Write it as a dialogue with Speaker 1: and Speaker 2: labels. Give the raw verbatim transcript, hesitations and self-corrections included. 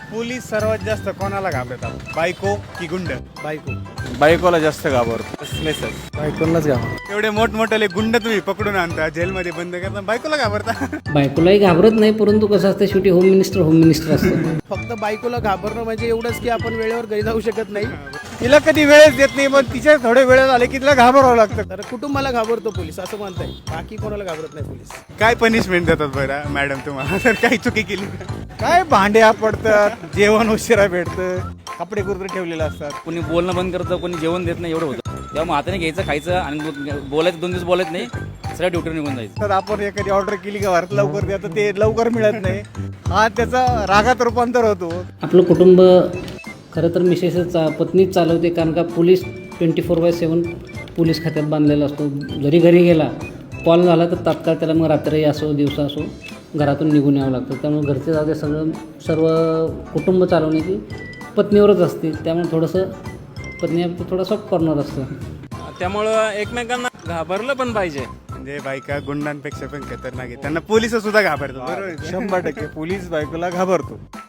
Speaker 1: Police सर्वात जास्त कोणाला घाबरतात, बायको की गुंड?
Speaker 2: बायको
Speaker 3: बायकोला जास्त घाबरतो. मेसेज
Speaker 2: बायकोलाच घाबर
Speaker 1: एवढे मोठमोठे गुंड तुम्ही पकडून आणता, जेलमध्ये बंद करता, बायकोला घाबरता?
Speaker 4: बायकोलाही घाबरत नाही, परंतु कसं असतं शेवटी होम मिनिस्टर होम मिनिस्टर असतं.
Speaker 2: फक्त बायकोला घाबरणं म्हणजे एवढंच की आपण वेळेवर घरी जाऊ शकत नाही.
Speaker 1: तिला कधी वेळच देत नाही, पण तिच्या थोडे वेळ झाले की तिला घाबरावं लागतं.
Speaker 2: तर कुटुंबाला घाबरतो पोलीस असं म्हणताय, बाकी कोणाला घाबरत नाही पोलीस.
Speaker 1: काय पनिशमेंट देतात बरं मॅडम तुम्हाला जर काही चुकी केली तर? काय भांड्या पडतात, जेवण उशिरा भेटतं, कपडे कुरतरे ठेवलेले असतात.
Speaker 5: कोणी बोलणं बंद करतं, कोणी जेवण देत नाही, एवढं होतं. तेव्हा हाताने घ्यायचं, खायचं आणि बोलायचं, दोन दिवस बोलायचं नाही, सगळ्या ड्युटीवर निघून जायचं.
Speaker 1: तर आपण एखादी ऑर्डर केली का भारत लवकर द्या, तर ते लवकर मिळत नाही. हा त्याचा रागात रूपांतर होतो.
Speaker 4: आपलं कुटुंब खरं तर मिसेसच चा पत्नीच चालवते, कारण का police twenty four by seven police खात्यात बांधलेला असतो. जरी घरी गेला कॉल झाला तर तात्काळ त्याला मग रात्री असो दिवसा असो घरातून निघून यावं लागतं. त्यामुळे घरचे जाते सगळं सर्व कुटुंब चालवण्याची पत्नीवरच असते. त्यामुळे थोडंसं पत्नी थोडं सॉफ्ट कॉर्नर असतं.
Speaker 3: त्यामुळं एकमेकांना घाबरलं पण पाहिजे.
Speaker 1: म्हणजे बायका गुंडांपेक्षा पण खतरनाक आहे, त्यांना पोलिस सुद्धा घाबरतात. बरोबर आहे.
Speaker 3: शंभर टक्के पोलीस बायकोला घाबरतो.